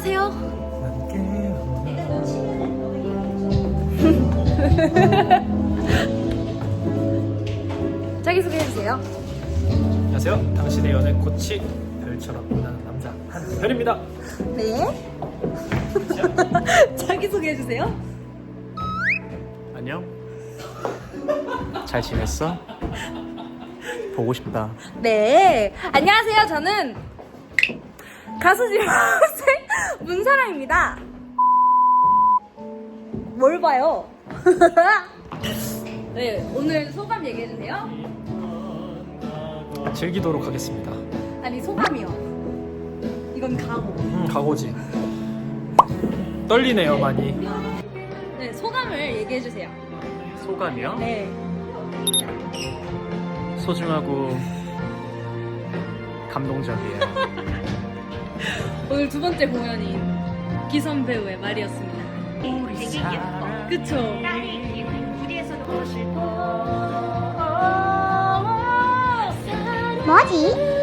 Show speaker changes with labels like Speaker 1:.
Speaker 1: 안녕하세요. 자기소개해주세요.
Speaker 2: 안녕하세요. 당신의 연애 꽃이 별처럼 빛나는 남자 한별입니다.
Speaker 1: 네. 자기소개해주세요.
Speaker 2: 안녕. 잘 지냈어? 보고 싶다.
Speaker 1: 네. 안녕하세요. 저는 가수 지망생 문사랑입니다. 뭘 봐요? 네. 오늘 소감 얘기해주세요.
Speaker 2: 즐기도록 하겠습니다.
Speaker 1: 아니, 소감이요. 이건 각오.
Speaker 2: 각오지. 떨리네요 많이.
Speaker 1: 네. 소감을 얘기해주세요.
Speaker 2: 소감이요?
Speaker 1: 네.
Speaker 2: 소중하고 감동적이에요.
Speaker 1: 오늘 두 번째 공연인 기선 배우의 말이었습니다.
Speaker 3: 되게 예뻐.
Speaker 1: 그쵸?
Speaker 3: 딸이 이 무대에서도
Speaker 1: 뭐지?